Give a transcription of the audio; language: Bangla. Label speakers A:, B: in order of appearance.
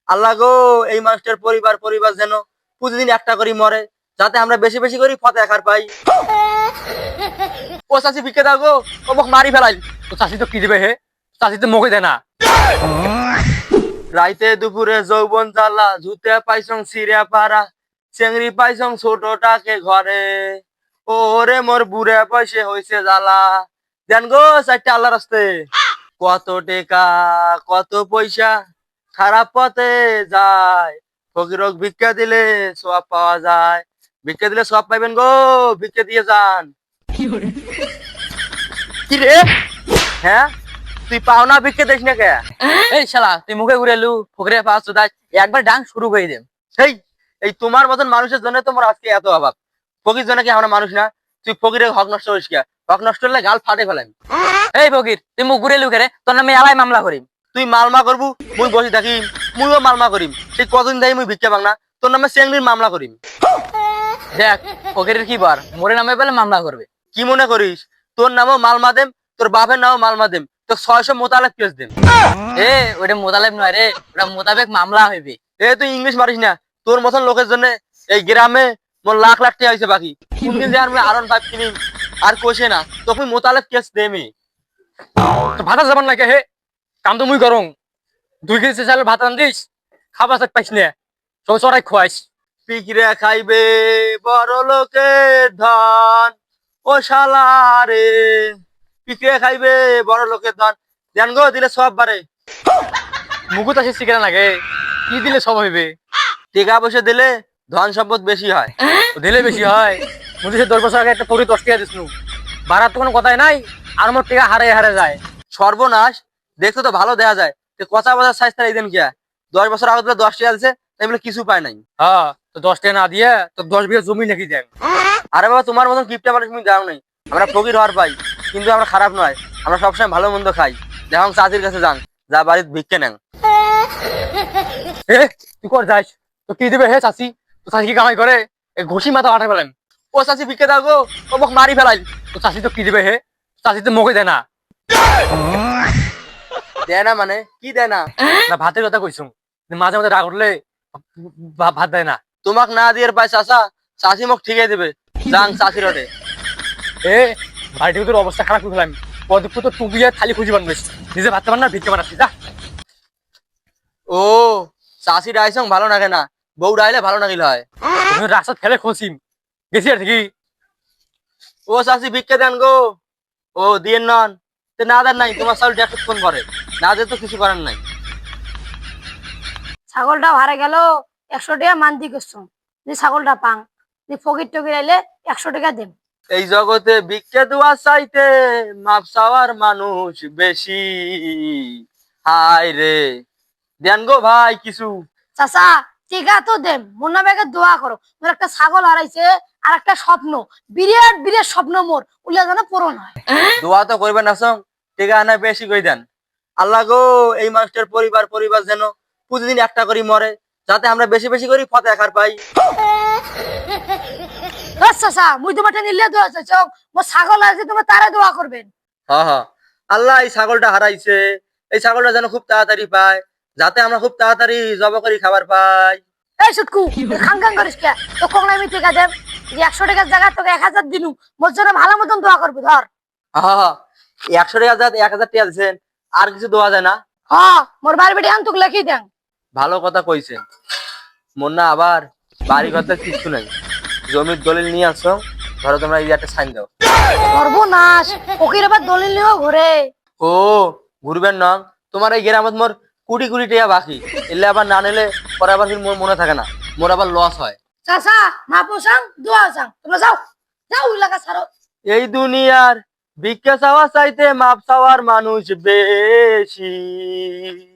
A: আল্লাহ গো, এই মানুষটার পরিবার পরিবার যেন প্রতিদিন একটা করে মরে, যাতে আমরা বেশি বেশি করে ফতে খার পাই। ও চাষি ভিক্ষে দাও গো, ও মোক মারি ফেলাই।
B: তো চাষি তো কি দিবে হে? চাষি তো মুখে দেয় না।
A: রাইতে দুপুরে যৌবন জ্বালা, জুতে পাইছং সিরিয়া পাড়া, চেংড়ি পাইছং ছোটটাকে ঘরে। ওরে মোর বুড়ে পয়সে হইছে জ্বালা। দেন গো চারটা আল্লাহ রাস্তে। কত টেকা কত পয়সা খারাপ পথে যায়, ফকিরক ভিক্ষা দিলে সব পাওয়া যায়। ভিক্ষা দিলে সব পাইবেন গো, ভিক্ষা দিয়ে যান। কি রে? হ্যাঁ, তুই পাও না ভিক্ষা দিস না কে?
B: এই শালা তুই মুখে ঘুরে লু ফকরে পাস তো একবার ডাং শুরু করে দে।
A: সেই, এই তোমার মতন মানুষের জন্য তোমার আজকে এত অভাব। ফকির জন্য কি আমরা মানুষ না? তুই ফকিরের হক নষ্ট করিস কে? হক নষ্ট করলে গাল ফাটে ফেলাম।
B: এই ফকির তুই মুখ ঘুরে লু কে রে? তোর নামে আলাই মামলা করিম।
A: তুই মালমা করবু, মুই বসে থাকিম। মুইও মালমা করিম। সেই কদিন যাই মুই ভিক্ষা পাং না, তোর নামে চেংড়ির মামলা করিম।
B: দেখ ফকিরের কি বার মোরে নামে পেলে মামলা করবে।
A: কি মনে করিস তোর নামও মালমা দেম, তোর বাপের নামও মালমা দেম, তোর 600 মোতালেব কেস দেম।
B: এ ওটা মোতালেব নয় রে, ওটা মোতাবেক মামলা হইবে।
A: এ তুই ইংলিশ মারিস না। তোর মতন লোকের জন্য এই গ্রামে মোর লাখ লাখ টাকা হয়েছে বাকি। কোনদিন যে আমি আরন 5 কিনিম আর কোষে না, তখন মোতালেব কেস দেমি।
B: তো ভাতা যাবান লাগে হে, কাম তো মুই করং। 2 কেজি চালের ভাত রান্ধিস, খাবার চাক পাইস না, সব চড়াই খোয়াইস।
A: পিকরে খাইবে বড় লোকের ধন, ও শালা রে। পিকরে খাইবে বড় লোকের ধন, জান গো দিলে সব বারে।
B: মুকুত আসে শিখে লাগে, কি দিলে সব হইবে?
A: টাকা পয়সা দিলে ধন সম্পদ বেশি হয়।
B: তো দিলে বেশি হয়। মুদি সে 10 বছর আগে একটা পরি 10 টাকা দিছনু, ভাড়ার তো কোনো কথাই নাই, আর মোর টাকা হারে হারে যায়।
A: সর্বনাশ, দেখতে তো ভালো দেখা যায়, তো কচা বাজার সাইজ তার এইদিন কিয়া 10 বছর আগে তো 10 টাকা দিছে, তাই বলে কিছু পায় নাই।
B: হ্যাঁ, তো 10 টাকা না দিয়ে তো 10 বিঘা জমি নাকি দেন।
A: আরে বাবা, তোমার মতন কিপটা মানুষ তুমি দাও নাই। আমরা ফকির হওয়ার পাই, কিন্তু আমরা খারাপ নয়। আমরা সবসময় ভালো মন্দ খাই। দেখুন চাচির কাছে যান, যা বাড়ির ভিক্ষে নেন।
B: এ তুই কর যাইস, তো কি দিবে হে চাচি? তো চাচি কি কামাই করে? এই ঘষি মাথা আটা ফেলেন।
A: ও চাচি ভিক্ষে দাও গো, ও মোক মারি ফেলাই।
B: তো চাচি তো কি দিবে হে? চাচি তো মুখে দেয় না।
A: দেয় না মানে কি দেয় না?
B: না ভাতের কথা কইছুম, মাঝে মাঝে রাগ উঠলে ভাত দেয় না।
A: তোমাক না দিয়ে পাই চাচা, চাচি মোক ঠিকই দেবে। যাং চাচির ওটে।
B: এ বাড়িতে তোর অবস্থা খারাপ করে ফেলাম। পদপুত তো টুবিয়ে থালি খুঁজি বানবিস, নিজে ভাত পান না ভিক্ষে বানাচ্ছি যা।
A: ও, চাচি ডাইছং ভালো লাগে না, বউ ডাইলে ভালো নাগিল হয়।
B: রাস্তা ফেলে খসিম গেছি আর কি।
A: ও চাচি ভিক্ষে দেন গো। ও দিয়ে নন, তে না দেন নাই, তোমার চাল ডেট ফোন করে না দিয়ে তো কিছু করার নাই।
C: ছাগলটা হারে গেল, 100 টাকা মান্তি করছো, যে ছাগলটা পাং, যে ফকির টকির আইলে 100 টাকা দেন।
A: এই জগতে ভিক্ষে দেওয়া চাইতে মাপ চাওয়ার মানুষ বেশি। হায় রে, দেন গো ভাই কিছু।
C: চাচা টিকা তো দেন, মুন্না ভাইকে দোয়া করো, মোর একটা ছাগল হারাইছে, আর একটা স্বপ্ন, বিরাট বিরাট স্বপ্ন মোর, উল্লে যেন পূরণ হয়।
A: দোয়া তো করবেন না সং, টেকা আনা বেশি করে দেন। আল্লাহ গো, এই মানুষটার পরিবার পরিবার যেন প্রতিদিন একটা করে মরে, যাতে আমরা বেশি বেশি করে ফতে খার পাই।
C: চাচা মুই তোমারটা নিলে দোয়া চাইছ, মোর ছাগল আছে, তোমার তারা দোয়া করবেন।
A: হ্যাঁ হ্যাঁ, আল্লাহ এই ছাগলটা হারাইছে, এই ছাগলটা যেন খুব তাড়াতাড়ি পায়, যাতে আমরা খুব তাড়াতাড়ি জব করে খাবার পাই।
C: এই সুটকু খাং খাং করিস কে? তো কোন আমি টিকা দেব, যে 100 টাকার জায়গা তোকে 1000 দিনু, মোর জন্য ভালো মতন দোয়া করবি ধর।
A: হ্যাঁ হ্যাঁ, 100 টাকা 1000 টাকা দিচ্ছেন, আর কিছু দেওয়া যায় না?
C: হ্যাঁ, মোর বাড়ি বেটি আন তোকে লিখি দেন।
A: ভালো কথা কইছেন। মন না আবার বাড়ি কথা কিছু নাই, জমির দলিল নিয়ে আসো, ধরো তোমরা এই একটা সাইন দাও।
C: সর্বনাশ, ফকির আবার দলিল নিয়েও ঘুরে।
A: ও, ঘুরবেন না? তোমার এই গ্রামত মোর কোটি কোটি টাকা বাকি, এলে আবার না নিলে পরে আবার মোর মনে থাকে না, মোর আবার লস হয়।
C: চাচা মা পোসাং দোয়া চাং, তোমরা যাও যাও এলাকা ছাড়ো।
A: এই দুনিয়ার ভিক্ষা চাওয়া চাইতে মাপ চাওয়ার মানুষ বেশি।